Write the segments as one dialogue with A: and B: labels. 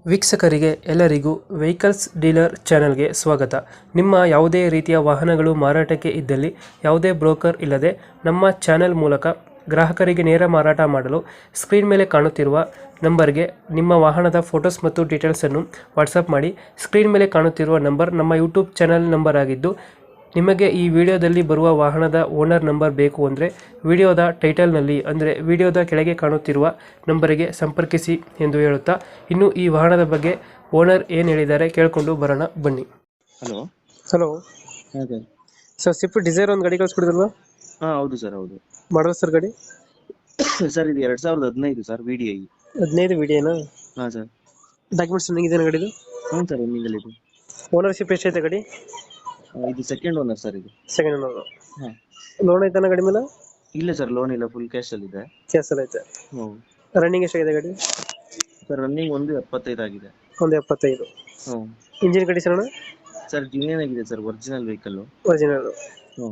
A: ವೀಕ್ಷಕರಿಗೆ ಎಲ್ಲರಿಗೂ vehicles dealer ಚಾನೆಲ್ಗೆ ಸ್ವಾಗತ. ನಿಮ್ಮ ಯಾವುದೇ ರೀತಿಯ ವಾಹನಗಳು ಮಾರಾಟಕ್ಕೆ ಇದ್ದಲ್ಲಿ ಯಾವುದೇ ಬ್ರೋಕರ್ ಇಲ್ಲದೆ ನಮ್ಮ ಚಾನೆಲ್ ಮೂಲಕ ಗ್ರಾಹಕರಿಗೆ ನೇರ ಮಾರಾಟ ಮಾಡಲು ಸ್ಕ್ರೀನ್ ಮೇಲೆ ಕಾಣುತ್ತಿರುವ ನಂಬರ್ಗೆ ನಿಮ್ಮ ವಾಹನದ ಫೋಟೋಸ್ ಮತ್ತು ಡೀಟೇಲ್ಸನ್ನು ವಾಟ್ಸಪ್ ಮಾಡಿ. ಸ್ಕ್ರೀನ್ ಮೇಲೆ ಕಾಣುತ್ತಿರುವ ನಂಬರ್ ನಮ್ಮ ಯೂಟ್ಯೂಬ್ ಚಾನೆಲ್ ನಂಬರ್ ಆಗಿದ್ದು, ನಿಮಗೆ ಈ ವಿಡಿಯೋದಲ್ಲಿ ಬರುವ ವಾಹನದ ಓನರ್ ನಂಬರ್ ಬೇಕು ಅಂದರೆ ವಿಡಿಯೋದ ಟೈಟಲ್ನಲ್ಲಿ ಅಂದರೆ ವಿಡಿಯೋದ ಕೆಳಗೆ ಕಾಣುತ್ತಿರುವ ನಂಬರಿಗೆ ಸಂಪರ್ಕಿಸಿ ಎಂದು ಹೇಳುತ್ತಾ, ಇನ್ನು ಈ ವಾಹನದ ಬಗ್ಗೆ ಓನರ್ ಏನು ಹೇಳಿದ್ದಾರೆ ಕೇಳಿಕೊಂಡು ಬರೋಣ ಬನ್ನಿ.
B: ಹಲೋ.
A: ಹಲೋ
B: ಅದೇ.
A: ಸರ್, ಸ್ವಿಫ್ಟ್ ಡಿಸೈರ್ ಒಂದು ಗಾಡಿ ಕಳಿಸ್ಕೊಡಿದ್ರಲ್ಲ,
B: ಹಾ, ಹೌದು ಸರ್, ಹೌದು.
A: ಮಾಡಲ್ ಸರ್ ಗಾಡಿ?
B: ಸರ್, ಇದು 2015 ಸರ್, VDI.
A: 15 ವಿಡಿಯೋನಾ?
B: ಹಾ ಸರ್.
A: ಡಾಕ್ಯುಮೆಂಟ್ಸ್ ರನ್ನಿಂಗ್ ಗಾಡಿದು?
B: ಹ್ಞೂ ಸರ್, ರನ್ನಿಂಗಲ್ಲಿ ಇದೆ.
A: ಓನರ್ಶಿಪ್ ಎಷ್ಟೈತೆ ಗಾಡಿ?
B: ಇದು ಸೆಕೆಂಡ್ ಓನರ್ ಸರ್, ಇದು.
A: Second owner.
B: ಹಾ.
A: ಲೋನ್ ಐತಾನ ಗಾಡಿ ಮೇಲೆ?
B: ಇಲ್ಲ ಸರ್, ಲೋನ್ ಇಲ್ಲ, ಫುಲ್ ಕ್ಯಾಶ್ ಅಲ್ಲಿ ಇದೆ.
A: ಕ್ಯಾಸಲ್ ಐತೆ.
B: ಹ್ಞೂ
A: ರನ್ನಿಂಗ್ ಎಷ್ಟಾಗಿದೆ ಗಾಡಿ?
B: ಸರ್, ರನ್ನಿಂಗ್ 1.75 ಆಗಿದೆ.
A: ಒಂದು 75.
B: ಹ್ಞೂ
A: ಇಂಜಿನ್ ಕಂಡೀಷನ್ ಅಣ್ಣ?
B: ಸರ್, ಜಿನಿಯನ್ ಆಗಿದೆ ಸರ್, ಒರಿಜಿನಲ್ ವೆಹಿಕಲ್.
A: ಒರಿಜಿನಲ್.
B: ಹ್ಞೂ.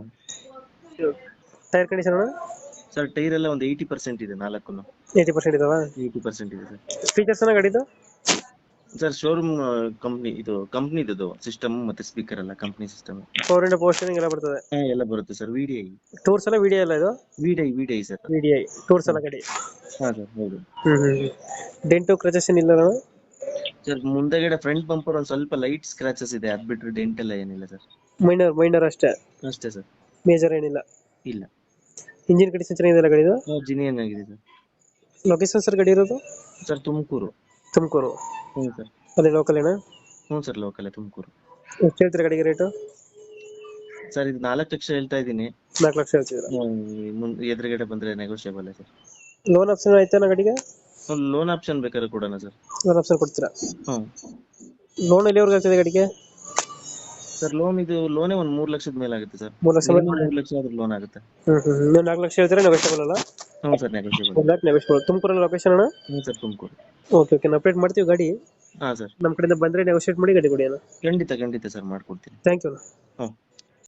A: ಟೈರ್ ಕಂಡೀಷನ್ ಅಣ್ಣ?
B: ಸರ್, ಟೈರ್ ಎಲ್ಲ ಒಂದು 80% ಇದೆ, 4.
A: 80% ಇದಾವ?
B: 80% ಇದೆ ಸರ್.
A: ಫೀಚರ್ಸ್ ಅಣ್ಣ ಗಾಡಿದು?
B: ಸರ್, ಶೋರೂಮ್ ಕಂಪ್ನಿದು ಸಿಸ್ಟಮ್ ಮತ್ತೆ ಸ್ಪೀಕರ್ ಎಲ್ಲ ಕಂಪ್ನಿ ಸಿಸ್ಟಮ್.
A: ಫೋರ್ ಇಂಡ ಪೋಸ್ಟರಿಂಗ್ ಎಲ್ಲ ಬರ್ತದೆ?
B: ಎಲ್ಲ ಬರುತ್ತೆ ಸರ್. VDI.
A: ಟೂರ್ಸ್ ಎಲ್ಲ ವಿಡಿಯೋ ಎಲ್ಲ ಇದು?
B: VDI sir.
A: ವಿಡಿಐ ಟೂರ್ಸ್ ಎಲ್ಲ ಗಾಡಿ?
B: ಹಾ ಸರ್, ಹೌದು.
A: ಡೆಂಟು ಕ್ರಚಸ್ ಏನಿಲ್ಲ ಅಣ್ಣ?
B: ಸರ್, ಮುಂದೆಗಡೆ ಫ್ರಂಟ್ ಬಂಪರ್ ಒಂದ್ ಸ್ವಲ್ಪ ಲೈಟ್ ಸ್ಕ್ರಾಚಸ್ ಇದೆ, ಅದ್ ಬಿಟ್ರೆ ಡೆಂಟ್ ಎಲ್ಲ ಏನಿಲ್ಲ ಸರ್.
A: ಮೈನರ್ ಅಷ್ಟೇ?
B: ಅಷ್ಟೇ ಸರ್.
A: ಮೇಜರ್ ಏನಿಲ್ಲ?
B: ಇಲ್ಲ.
A: ಇಂಜಿನ್ ಕಂಡೀಷನ್ ಚೆನ್ನಾಗಿದೆ ಗಾಡಿದು?
B: ಜಿನಿಯನ್ ಆಗಿದೆ ಸರ್.
A: ಲೊಕೇಶನ್ ಸರ್ ಗಾಡಿ ಇರೋದು?
B: ಸರ್, ತುಮಕೂರು.
A: ತುಮಕೂರು?
B: ಹ್ಞೂ ಸರ್.
A: ಅದೇ ಲೋಕಲ್ ಏನಾ?
B: ಹ್ಞೂ ಸರ್, ಲೋಕಲ್ ತುಮಕೂರು.
A: ಎಷ್ಟು ಹೇಳ್ತೀರಾ ಗಾಡಿಗೆ ರೇಟು?
B: ಸರ್, ಇದು 4 ಲಕ್ಷ ಹೇಳ್ತಾ ಇದ್ದೀನಿ.
A: 4 ಲಕ್ಷ ಹೇಳ್ತಿದ್ದೀರಾ?
B: ಎದುರುಗಡೆ ಬಂದ್ರೆ ನೆಗೋಷಿಯಬಲ್ ಸರ್.
A: ಲೋನ್ ಆಪ್ಷನ್ ಆಯ್ತಾನ ಗಾಡಿಗೆ?
B: ಲೋನ್ ಆಪ್ಷನ್ ಬೇಕಾದ್ರೆ ಕೊಡೋಣ ಸರ್.
A: ಲೋನ್ ಆಪ್ಷನ್ ಕೊಡ್ತೀರಾ?
B: ಹ್ಞೂ.
A: ಲೋನ್ ಎಲ್ಲಿವರೆಗೆ ಆಗ್ತದೆ ಗಾಡಿಗೆ?
B: ಸರ್, ಲೋನೇ ಒಂದು 3 ಲಕ್ಷದ ಮೇಲೆ ಆಗುತ್ತೆ ಸರ್.
A: 3 ಲಕ್ಷ?
B: 3 ಲಕ್ಷ ಆದ್ರೆ ಲೋನ್ ಆಗುತ್ತೆ.
A: ನೀವು 4 ಲಕ್ಷ ಹೇಳ್ತೀರಾ, ನೆಗೋಷಿಯಬಲ್ ಅಲ್ಲ?
B: ಹ್ಞೂ ಸರ್, ನೆಗೋಷಿಯಬಲ್.
A: 1 ಲ್ಯಾಕ್ ನೆಗೋಷಿಯಬಲ್. ತುಮಕೂರಲ್ಲಿ ಲೊಕೇಶನ್ ಅಣ್ಣ?
B: ಹ್ಞೂ ಸರ್, ತುಮಕೂರು.
A: ಓಕೆ, ನಾವು ಅಪ್ಡೇಟ್ ಮಾಡ್ತೀವಿ ಗಾಡಿ.
B: ಹಾಂ ಸರ್.
A: ನಮ್ಮ ಕಡೆಯಿಂದ ಬಂದರೆ ನೆಗೋಷಿಯೇಟ್ ಮಾಡಿ ಗಾಡಿ ಕೊಡಿ ಅಣ್ಣ.
B: ಖಂಡಿತ ಸರ್, ಮಾಡ್ಕೊಡ್ತೀನಿ.
A: Thank you.
B: ಹ್ಞೂ.